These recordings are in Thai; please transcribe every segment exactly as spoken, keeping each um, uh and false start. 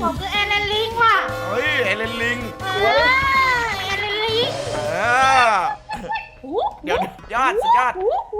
ผมคือเอเลนลิงว่ะเฮ้ยเอเลนลิงเออเอเลนลิงเออเดี๋ยวยอดสุดยอด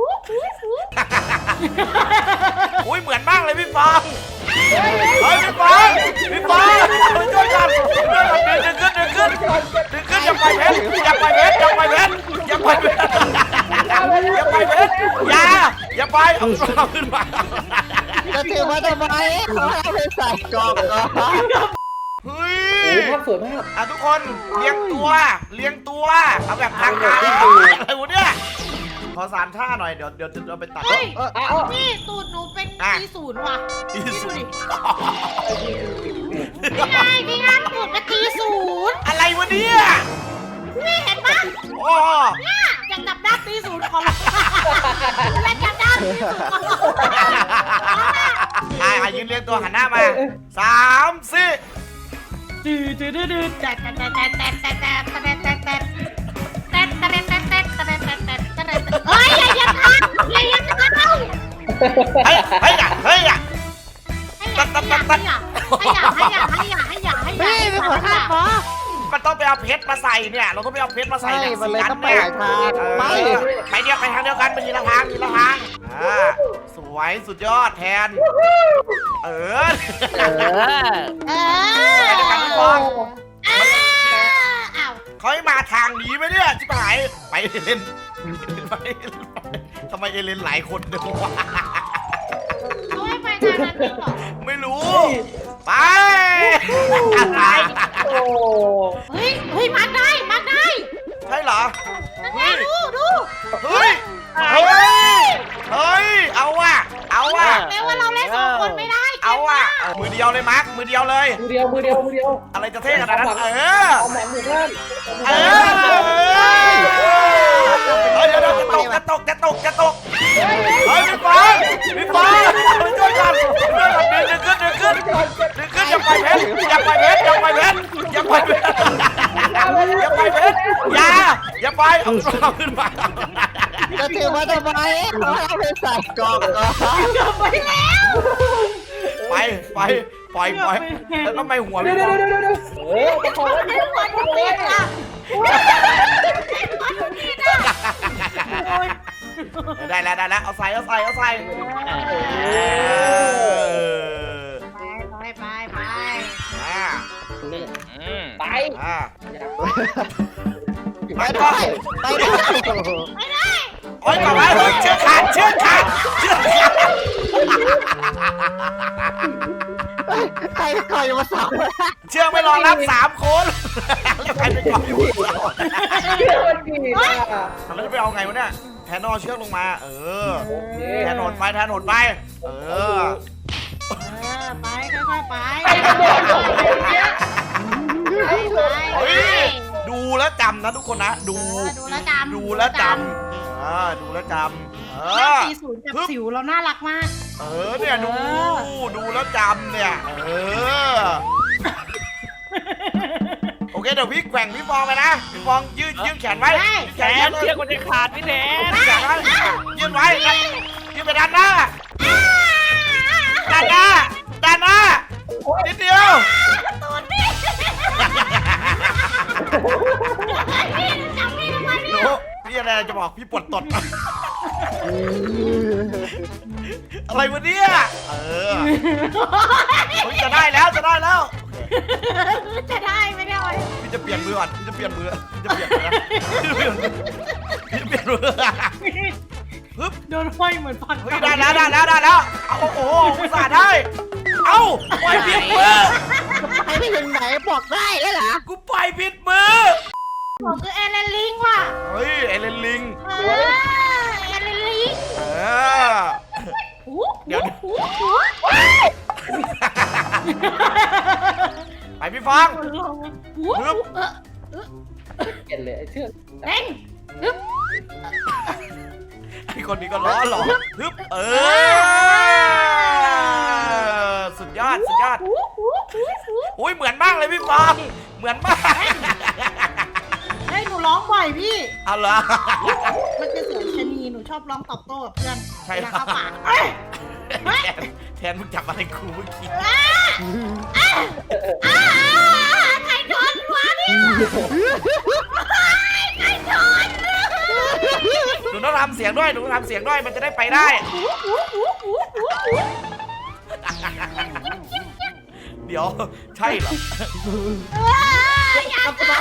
อุ้ยเหมือนมากเลยพี่ฟองเฮ้ยพี่ฟองพี่ฟองช่วยกันช่วยกันดึงขึ้นดึงขึ้นดึงขึ้นอย่าไปเพชรอย่าไปเพชรอย่าไปเพชรอย่าไปเพชรอย่าไปเพชรอย่าอย่าไปเอาเอาขึ้นมาจะถือมาทำไมเขาเอาไปใส่กล่องก่อนเฮ้ยโอ้ภาพสวยมากอ่ะทุกคนเลี้ยงตัวเลี้ยงตัวเอาแบบทางการอะไรวะเนี่ยขอสามท่าหน่อยเดี๋ยวเดี๋ยวเราไปตัดเฮ้ยเออเอานี่ตูดหนูเป็นตีศูนย์ว่ะตีศูนย์นี่ไงนี่ไงตูดเป็นตีศูนย์อะไรวะเนี่ยนี่เห็นปะโอ้เนี่ยยังดับด้านตีศูนย์ของเราและจับด้านตีศูนย์ของเราอ่ะยืนเรียงตัวหันหน้ามาสามสี่ดื้อดื้อดื้อดื้อแต่แต่แต่แต่แต่แต่แต่แต่แต่แต่แต่แต่แต่แต่แต่แต่แต่แต่เฮ้ยอย่าอย่าทำอย่าอย่าทำเฮ้ยเฮ้ยอ่ะเฮ้ยอ่ะให้อย่าให้อย่าให้อย่าให้อย่าให้อย่าให้อย่าให้อย่าให้อย่าเฮ้ยเป็นคนฆ่าปะมันต้องไปเอาเพชรมาใส่เนี่ยเราต้องไปเอาเพชรมาใส่ใช่เนี่ยมันเลยสีต้องไปเนี่ยหลายทางเออไปไปเดียวไปทางเดียวกันไปทีละทางทีละทางอ่าสวยสุดยอดแทนเออเออเอไปด้วยกันพี่ฟองออ้าวเขาให้มาทางนี้ไหมเนี่ยชิบหายไปเอเลนไปทำไมเอเลนหลายคนเดียววะเขาให้ไปทางนั้นจริงเหรอไม่รู้ ไปโอ้เฮ้ยเฮ้ยมาร์กได้มาร์กได้ใช่เหรอนั่นไงดูดูเฮ้ย เฮ้ย เฮ้ย เอาว่ะ เอาว่ะแม้ว่าเราเล่นสองคนไม่ได้เอาว่ะเอามือเดียวเลยมาร์คมือเดียวเลยมือเดียวมือเดียวมือเดียวอะไรจะเท่ขนาดนั้น เออเอาหมอนหมู่บ้านเออเฮ้ยเดี๋ยวเดี๋ยวจะตกจะตกจะตกจะตกเฮ้ยพี่ฟองพี่ฟองช่วยกันช่วยกันดึงขึ้นดึงขึ้นดึงขึ้นอย่าไปเพชรอย่าไปเพชรอย่าไปเพชรอย่าไปเพชรอย่าไปเพชรอย่าอย่าไปเอาเอาขึ้นมาจะถือมาทำไมเขาเอาไปใส่กล่องก่อนไปแล้วไปไปปล่อยปล่อยแล้วทำไมหัวเดี๋พี่ยวฟเดี๋อย งวเดี๋ยวเดี๋ยวเออประคองไว้ไม่หัวจะติดอ่ะหัวจะติดอ่ะได้แล้วได้แล้วเอาใส่เอาใส่เอาใส่ไปไปไปไปอ่าไปอ่าไปได้ไปได้ไม่ได้โอ๊ยต่อไปเฮ้ยเชือกขาดเชือกขาดเชือกขาดใครคอยมาสาวเชือกไม่รอรับสามคนแล้วใครไปก่อนอยู่เชื่อมันดีอ่ะแล้วจะไปเอาไงวะเนี่ยแทนนอนเชือกลงมา เออโอเคแทนโหนไปแทนโหนไป เออเออไปค่อยๆไปไปกระโดดลงไปเนี่ยไปไปเฮ้ยดูแล้วจำนะทุกคนนะ ดูดูแลวจำดูแล้วจำอ่าดูแล้วจำเอหน้าอสีศูนย์กับสิวเราน่ารักมากเออเนี่ยดูดูแล้วจำเนี่ย เออ โอเคเดี๋ยวพี่แกว่งพี่ฟองไปนะพี่ฟองยืดยืดแขนไว้แขนเชือกมันจะขาดพี่แทนแขนไว้ยืดไว้ยืดไปด้านหน้าด้านหน้าด้านหน้านิดเดียวตูนพี่พี่จำพี่ทำไมหเนี่นูยพี่อะไรจะบอกพี่ปวดตดอะไรวะเนี่ยเออจะได้แล้วจะได้แล้วจะได้ไหมเนี่ยพี่จะเปลี่ยนมือก่อนพี่จะเปลี่ยนมือพี่จะเปลี่ยนมือพี่จะเปลี่ยนมือฮึบโดนห้อยเหมือนฟันเฮ้ยได้แล้วได้แล้วได้แล้วเอาโอ้โหอุตส่าห์ได้เอ้าปล่อยผิดมือไปไม่ถึงไหนบอกได้แล้วเหรอกูปล่อยผิดมือผมคือเอเลนลิงว่ะเฮ้ยเอเลนลิงเออเอเลนลิงเออหูเดี๋ยวหูหูไปพี่ฟองหูเออเห็นเลยไอ้เชือกเร่งฮึบไอคนนี้ก็ล้อหลอกฮึบเออสุดยอดสุดยอดหูหูหูหูอุ้ยเหมือนมากเลยพี่ฟองเหมือนมากเฮ้ยหนูร้องบ่อยพี่เอาเหรอมันจะเสียงชะนีหนูชอบร้องตอบโต้กับเพื่อนใช่เวลาเข้าปากเอ้ยแทนแทนมึงจับอะไรกูเมื่อกี้หนูต้องทำเสียงด้วยหนูต้องทำเสียงด้วยมันจะได้ไปได้ เดี๋ยวใช่เหรออย่าจ้า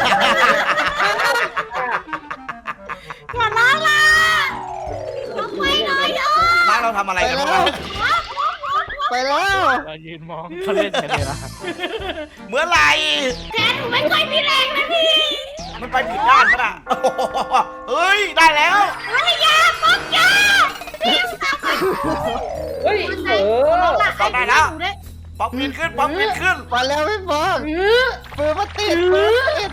อย่าล้อล่ะลงไปหน่อยเถอะบ้านเราทำอะไรกันวะไปแล้วเรายืนมองเขาเล่นกันเลยนะเมื่อไหร่แกหนูไม่ค่อยมีแรงนะพี่มันไปผิดด้านปะน่ะโอ้โหเฮ้ยได้แล้วภรรยาป๊อกยาพี่ทำไมเฮ้ยเออป๊อกได้แล้วป๊อกปีนขึ้นป๊อกปีนขึ้นไปแล้วพี่ฟองปืนมาติดปืนมาติด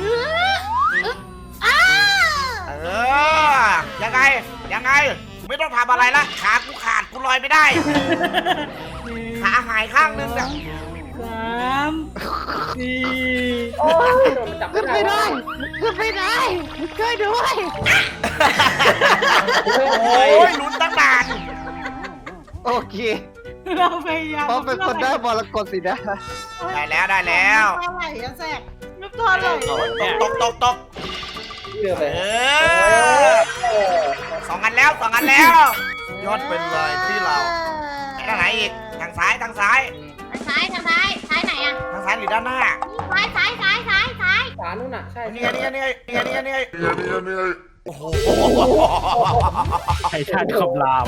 อ้าเออยังไงยังไงไม่ต้องทำอะไรละขากูขาดกูลอยไม่ได้ขาหายข้างนึงเนี่ยสามสี่โอ้ยโดนมันจับขึ้นไม่ได้ขึ้นไม่ได้ช่วยด้วยโอ้ยลุ้นตั้งนานโอเคเราพยายามเพราะเป็นคนได้มรกตสินะได้แล้วได้แล้วน้ำตาไหลอะแสบน้ำตาไหลตกตกตกเรือไปเออสองอันแล้วสองอันแล้วยอดเป็นเลยที่เราทางไหนอีกทางซ้ายทางซ้ายทางซ้ายทางซ้ายซ้ายไหนอะทางซ้ายหรือด้านหน้าซ้ายซ้ายซ้ายซ้ายซ้ายฝานู่นน่ะใช่นี่ไงนี่ไงนี่ไงนี่ไงนี่ไงนี่ไงโอ้โหไททันคำราม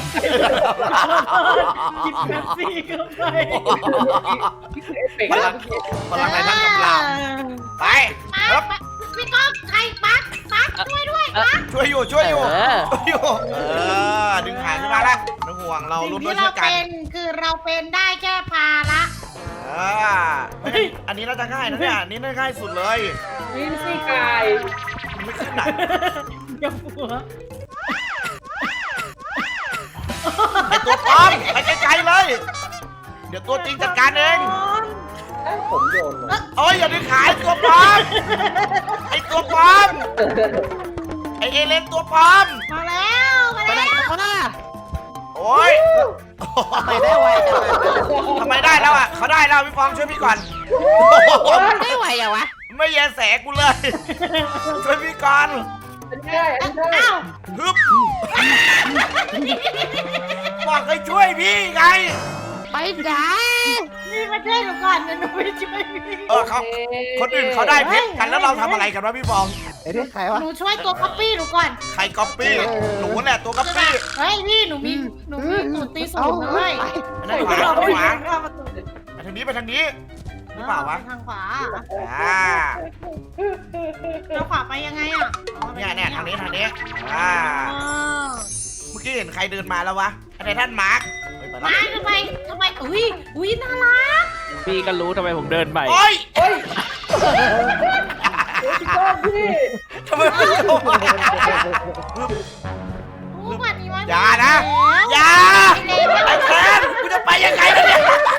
กินแป๊บซี่เข้าไปเป็กพลังพลังไหนทั้งกำลังไปปั๊บพี่ก้องใครปั๊บปั๊บช่วยด้วยปั๊บช่วยอยู่ช่วยอยู่ช่วยอยู่เออดึงหางขึ้นมาแล้วน้องห่วงเราสิ่ร่วงมด้วที่ยช่วยกันเราเป็นคือเราเป็นได้แค่ภาระเอออันนี้น่าจะง่ายนะเนี่ยอันนี้น่าจะง่ายสุดเลยวินซี่กายไม่ขึ้นไหนอย่าหัวไอตัวปลอมไปไกลๆเลย เดี๋ยวตัวจริงจัดการเองผมโยนโอ้ยอย่าดึงขายตัวปลอมไอตัวปลอมไอเอเลนตัวปลอมมาแล้วมาไปไหนแล้วกันมาโอ้ยไปได้ไวจังเลยทำไมได้แล้วอ่ะเขาได้แล้วพี่ฟองช่วยพี่ก่อนได้ไวอะวะไม่แยแสกูเลย ช่วยพี่ก่อนอันนี้ได้อันนี้ได้อ้าวฮึบบอกให้ช่วยพี่ไงไปไหนนี่มาช่วยหนูก่อนเดี๋ยวหนูไปช่วยพี่เออเขาคนอื่นเขาได้เพชรกันแล้วเราทำอะไรกันวะพี่ฟองไอ้นี่ใครวะหนูช่วยตัวคัปปี้หนูก่อนใครก๊อปปี้หนูแหละตัวก๊อปปี้เฮ้ยพี่หนูมีหนูมีหนูตีสูงเลยไปทางขวาไปทางขวาไปทางนี้ไปทางนี้หรือเปล่าวะทางขวาอ่าทางขวาไปยังไงอ่ะเนี่ยเนี่ยทางนี้ทางนี้อ่าเมื่อกี้เห็นใครเดินมาแล้ววะอะไรท่านมาร์คเฮ้ยไปแล้วมาทำไมทำไมอุ้ยอุ้ยน่ารักพี่ก็รู้ทำไมผมเดินไปโอ้ยเฮ้ยพี่ก้องพี่ทำไมไม่ลงมาโอ้วันนี้วันอย่านะอย่าไอ้แทนกูจะไปยังไงเนี่ย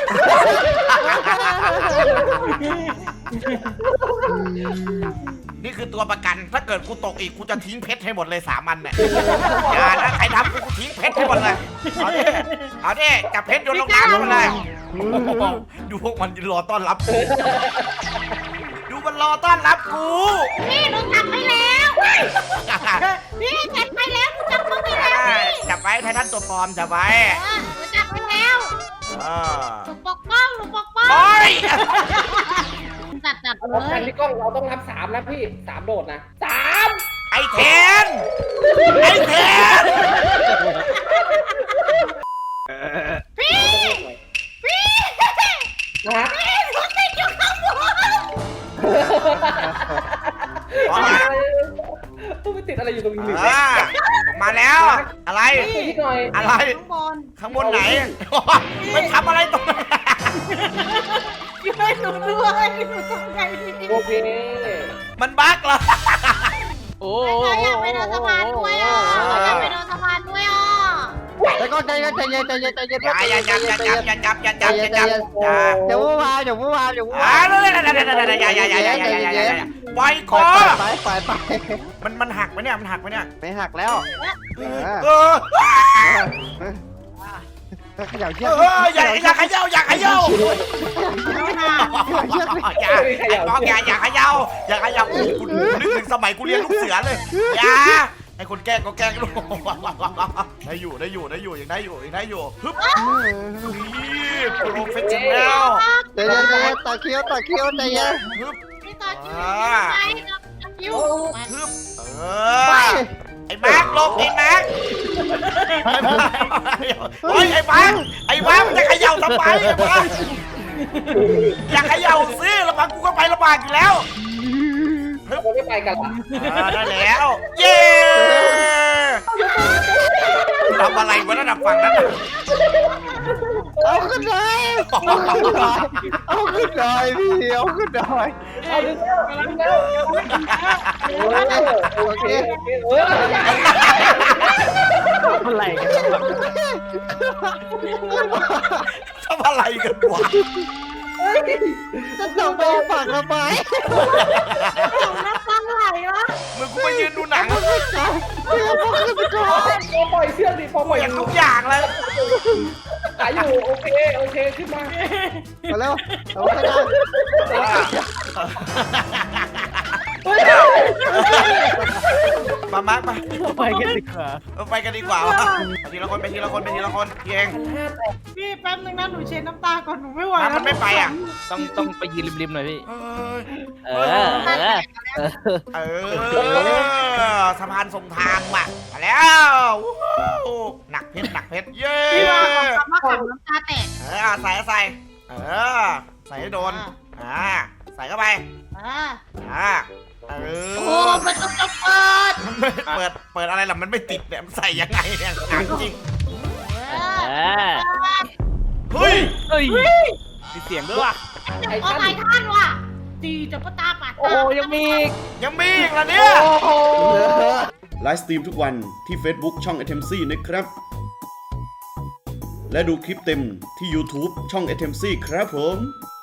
นี่คือตัวประกันถ้าเกิดกูตกอีกกูจะทิ้งเพชรให้หมดเลยสามอันเนี่ยอย่านะใครทำกูกูทิ้งเพชรให้หมดเลยเอาดิเอาดิจับเพชรโยนลงน้ำหมดเลยโอ้โหดูพวกมันรอต้อนรับกูดูมันรอต้อนรับกูพี่หนูจับไปแล้วพี่จับไปแล้วหนูจับมึงไปแล้วพี่จับไว้ไททันตัวปลอมจับไว้หนูจับไปแล้วเออหนูปกป้องหนูปกป้องโอ้ยจัดจัดเลเราคันยพี่ก้องเราต้องนับสามนะพี่สามโดดนะสามไอเทนไอเทนพี่พี่นะพี่หนูติดอยู่ข้างบนต้องไปติดอะไรอยู่ตรงนี้อ่ามาแล้วอะไรพี่หน่อยอะไรข้างบนข้างบนไหนไปทำอะไรตรงนั้นช่วยหนูด้วยหนูต้องไงดีโอเคมันบั๊กเหรอโอ้เขาอยากไปโดนสะพานด้วยอ่ะเขาอยากไปโดนสะพานด้วยอ่ะแล้วก็ใจเย็นใจเย็นใจเย็นใจเย็นอย่าอย่าอย่าอย่าจับอย่าจับอย่าจับอย่าจับอย่าเดี๋ยวว่าเดี๋ยวว่าเดี๋ยวว่าอ่าเลยอย่าอย่าอย่าอย่าอย่าอย่าอย่าอย่าอย่าปล่อยคปล่ออยไปปล่อยไปมันมันหักไหมเนี่ยมันหักไหมเนี่ยไม่หักแล้วเออขยับเชือกเอออย่าอย่าขย่าอย่าขย่าเชือกอย่าไอ้ป้องอย่าอย่าเขย่าอย่าเขย่าโอ้โหกูนึกถึงสมัยกูเรียนลูกเสือเลยอย่าไอ้คนแกล้งก็แกล้งลูกได้อยู่ได้อยู่ได้อยู่ยังได้อยู่ยังได้อยู่ฮึบนี่โปรเฟชชั่นแนลเดี๋ยวเดี๋ยวเดี๋ยวตาเคี้ยวตาเคี้ยวใจเย็นฮึบพี่ต่อคิวไปกับคิวฮึบเออไอ้มาร์คลงไอ้มาร์คโอ้ยไอ้มาร์คไอ้มาร์คมันจะเขย่าทำไมไอ้มาร์คอย่าเขย่าซิแล้วมากูก็ไปลำบากอยู่แล้วเราไม่ไปกันละอ่าได้แล้ว เย้ทำอะไรวะนั่นน่ะฝั่งนั้นน่ะเอาขึ้นเลยเอาขึ้นเลยพี่เอาขึ้นเลยเอาดึงแล้วดึงแล้วเออโอเคโอเคเอออะไรกันวะทำอะไรกันวะจะต้องไปฝักทำไมของน้ำตาไหลวะมึงกูไปยืนดูหนังเอาขึ้นก่อนเอาขึ้นไปก่อนพอปล่อยเชือกดิพอปล่อยเห็นทุกอย่างเลยขายอยู่โอเคโอเคขึ้นมามาแล้วเอาขึ้นได้มามามาไปกันดีกว่าไปกันดีกว่าวะไปทีละคนไปทีละคนไปทีละคนเก่งพี่แป๊บนึงนะหนูเช็ดน้ำตาก่อนหนูไม่ไหวถ้ามันไม่ไปอ่ะต้องต้องไปยืนริมๆหน่อยพี่เอ้ยเออเออเออเออสะพานส่งทางว่ะมาแล้ววู้ฮู้หนักเพชรหนักเพชรเย้พี่ว่าของคำว่าขังน้ำตาแตกเออใส่ใส่เออใส่ให้โดนอ่าใส่เข้าไปอ่าอ่าเอโอ้อมันต้องจะเปิดมันไม่เปิดเปิดอะไรล่ะมันไม่ติดเนี่ยมันใส่ยังไงเนี่ยถามจริงเอเอออเฮ้ยเฮ้ยมีเสียงด้วยว่ะไอ้เอาท่านไททันว่ะตีจะปตาปัดโอ้ยังมีอีกยังมีอีกเหรอเนี่ยไลฟ์สตรีมทุกวันที่ Facebook ช่อง เอ ที เอ็ม ซี นะครับ และดูคลิปเต็มที่ YouTube ช่อง เอ ที เอ็ม ซี ครับผม